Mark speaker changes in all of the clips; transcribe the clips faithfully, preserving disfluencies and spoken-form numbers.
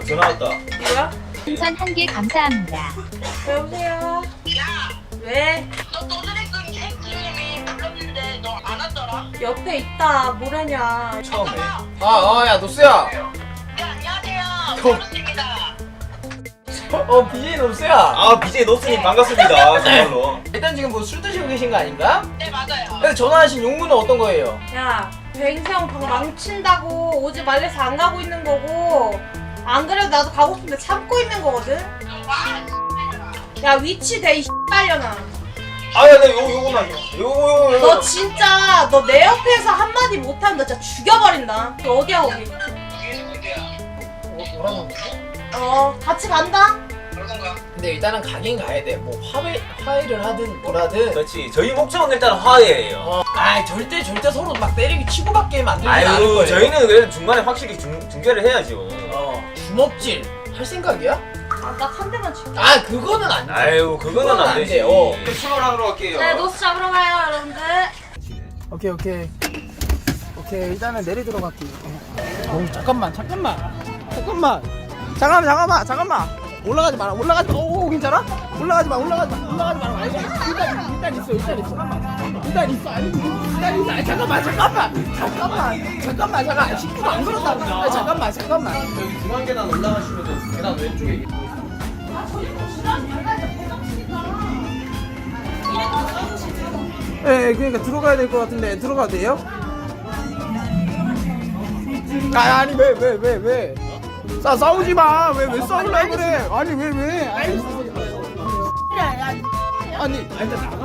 Speaker 1: 전화 왔다.
Speaker 2: 뭐야?
Speaker 3: 풍선 한 개 감사합니다.
Speaker 2: 여보세요?
Speaker 4: 야,
Speaker 2: 왜?
Speaker 4: 너 도드래곤 햄찌님이 불렀는데 너 안 왔더라?
Speaker 2: 옆에 있다. 뭐라냐.
Speaker 1: 처음에.
Speaker 5: 아, 어, 야, 노스야.
Speaker 4: 네, 안녕하세요.
Speaker 5: 어.
Speaker 4: 노스입니다.
Speaker 5: 어, 비제이 노스야.
Speaker 1: 아 비제이 노스님 반갑습니다. 정말로.
Speaker 5: 일단 지금 뭐 술 드시고 계신 거 아닌가?
Speaker 4: 네, 맞아요.
Speaker 5: 근데 전화하신 용무는 어떤 거예요?
Speaker 2: 야, 뱅생 방 망친다고 오지 말래서 안 가고 있는 거고. 안 그래도 나도 가고 싶은데 참고 있는 거거든.
Speaker 4: 와,
Speaker 2: 야, 위치 대 이 빨려나.
Speaker 1: 아야 나 요거 요거만 줘. 요거 요거 요거.
Speaker 2: 너 진짜 너 내 옆에서 한마디 못하면 너 진짜 죽여버린다. 너 어디야 거기?
Speaker 4: 이게 뭔데야?
Speaker 5: 어, 뭐라고?
Speaker 2: 어, 같이 간다.
Speaker 4: 그러던가.
Speaker 5: 근데 일단은 가긴 가야 돼. 뭐 화해, 화해를 하든 뭐라든.
Speaker 1: 그렇지. 저희 목적은 일단 화해예요.
Speaker 5: 어, 아, 절대 절대 서로 막 때리기 치고받게 만들지 않을
Speaker 1: 아유
Speaker 5: 거예요.
Speaker 1: 저희는 그래도 중간에 확실히 중, 중재를 해야죠.
Speaker 5: 어, 주먹질 할 생각이야?
Speaker 2: 아, 딱 한 대만 칠게.
Speaker 5: 아, 그거는 안 돼.
Speaker 1: 아유 그거는
Speaker 5: 그건
Speaker 1: 안
Speaker 5: 안
Speaker 1: 되지.
Speaker 5: 돼, 어.
Speaker 1: 출발하러 갈게요.
Speaker 2: 네, 노스 잡으러 가요, 여러분들.
Speaker 6: 오케이 오케이 오케이 일단은 내리도록 할게요. 어 잠깐만 잠깐만 잠깐만 잠깐만 잠깐만 잠깐만 올라가지 마라 올라가지 마. 오 괜찮아? 올라가지 마 올라가지 마 올라가지 마라. 아니, 일단 일단 있어 일단 있어 잠깐만 일단 있어 아니 일단 있어 아니 잠깐만 잠깐만 잠깐만 잠깐만 잠깐 식구도 안 그렇다고. 아니 잠깐만 잠깐만
Speaker 5: 여기 중앙 계단 올라가시면 계단 왼쪽에
Speaker 6: 예, 그러니까 들어가야 될 것 같은데 들어가도 돼요? 아, 아니 왜 왜 왜 왜? 싸 싸우지 마. 왜 왜 싸우려 그래? 아니 왜 왜? 아니 아니 아니 나가.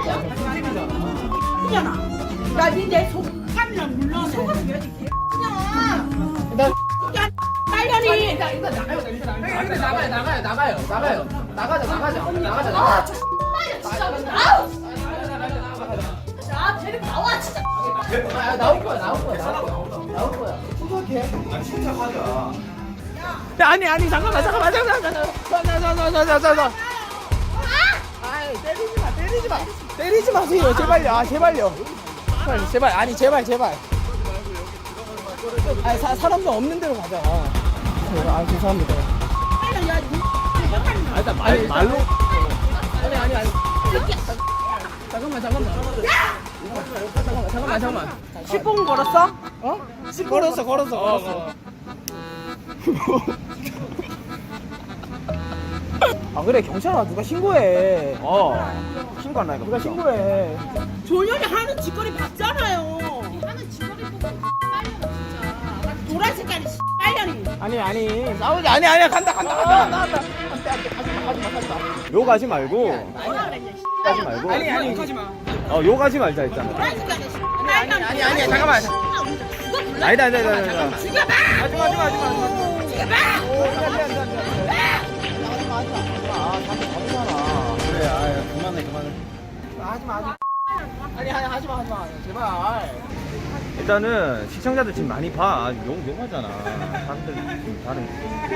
Speaker 7: 나 니내 속함이랑 물러내. 속은 왜 이렇게
Speaker 6: 나
Speaker 7: 빨간이.
Speaker 6: 일단 일단 나가요 일단 나가요 나가요 나가요 나가요 나가자 나가자 나가자 나가자.
Speaker 7: 진짜 아우. 야, 쟤는 나와 진짜.
Speaker 6: 아, 나올 거야, 나올 거야, 나올 거야, 나올 거야. 침착해.
Speaker 1: 아 침착하자.
Speaker 6: 야, 아니, 아니, 잠깐만, 잠깐만, 잠깐만, 잠깐만, 잠깐만, 잠깐만, 잠깐만. 아이, 때리지 마, 때리지 마, 때리지 마세요, 제발요, 아, 제발요. 제발, 제발, 아니, 제발, 제발. 아니, 사, 사람도 없는 데로 가자. 아, 죄송합니다.
Speaker 7: 야, 니
Speaker 6: 아, 일단 말, 말로. 아니, 아니, 아니. 잠깐만, 잠깐만. 잠깐만, 잠깐만, 잠깐만. 십 분 걸었어? 어? 십 분 걸었어, 걸었어, 걸었어. 아 그래 경찰아 누가 신고해. 어 신고한다니까. 누가 신고해.
Speaker 7: 조연이 하는 짓거리 봤잖아요. 하는 짓거리 보고 빨려나 진짜. 노란 색깔이 빨려니.
Speaker 6: 아니 아니 싸우지 아니 아니야 간다 간다 간다 간다. 안돼 안돼 가지마 가지마 가지마.
Speaker 8: 욕하지 말고
Speaker 7: 뭐라 그랬냐?
Speaker 8: 하지 말고
Speaker 6: 아니 아니 욕하지 마.
Speaker 8: 어 욕하지 말자 했잖아.
Speaker 7: 노란 색깔이
Speaker 6: 아니 아니 아니 아니 잠깐만.
Speaker 8: 아니다 아니다 아니다 아니다.
Speaker 7: 죽여봐.
Speaker 8: 하지마 하지마 하지마 하지마.
Speaker 7: 죽여봐.
Speaker 8: 그래 아 그만해 그만해.
Speaker 6: 하지마 하지마. 아니 아니 하지마 하지마 제발.
Speaker 8: 일단은 시청자들 지금 많이 봐. 욕 욕하잖아. 사람들 지금 다른.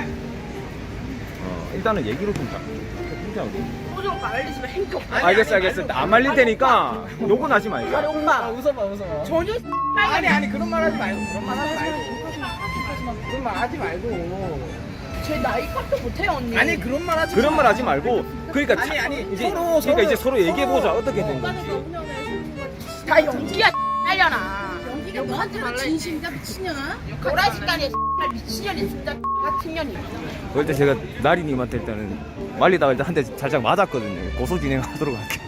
Speaker 8: 어 일단은 얘기로 좀 자.
Speaker 7: 오종 말리시면 행동.
Speaker 8: 알겠어 알겠어. 안 말릴 테니까 욕은 하지 말고.
Speaker 6: 아니 오빠 웃어봐 웃어봐.
Speaker 7: 전혀
Speaker 6: 아니 아니 그런 말 하지 말고 그런 말 하지 말고 그런 말 하지 말고.
Speaker 7: 제 나이 값도 못해요 언니.
Speaker 6: 아니 그런 말 하지
Speaker 8: 그런
Speaker 6: 마.
Speaker 8: 말 하지 말고. 그러니까
Speaker 6: 아니,
Speaker 8: 자-
Speaker 6: 아니,
Speaker 8: 이제
Speaker 6: 서로,
Speaker 8: 그러니까
Speaker 6: 서로,
Speaker 8: 이제 서로 얘기해 보자.
Speaker 6: 서로.
Speaker 8: 어떻게 된 건지.
Speaker 7: 다 연기야 딸려나. 연기가 너한테는 진심이다 미친년아. 노란 색깔이 미친년이 진짜 같은 년이.
Speaker 8: 그럴 때 제가 나리님한테 일단은 말리다가 일단 한 대 살짝 맞았거든요. 고소 진행하도록 할게요.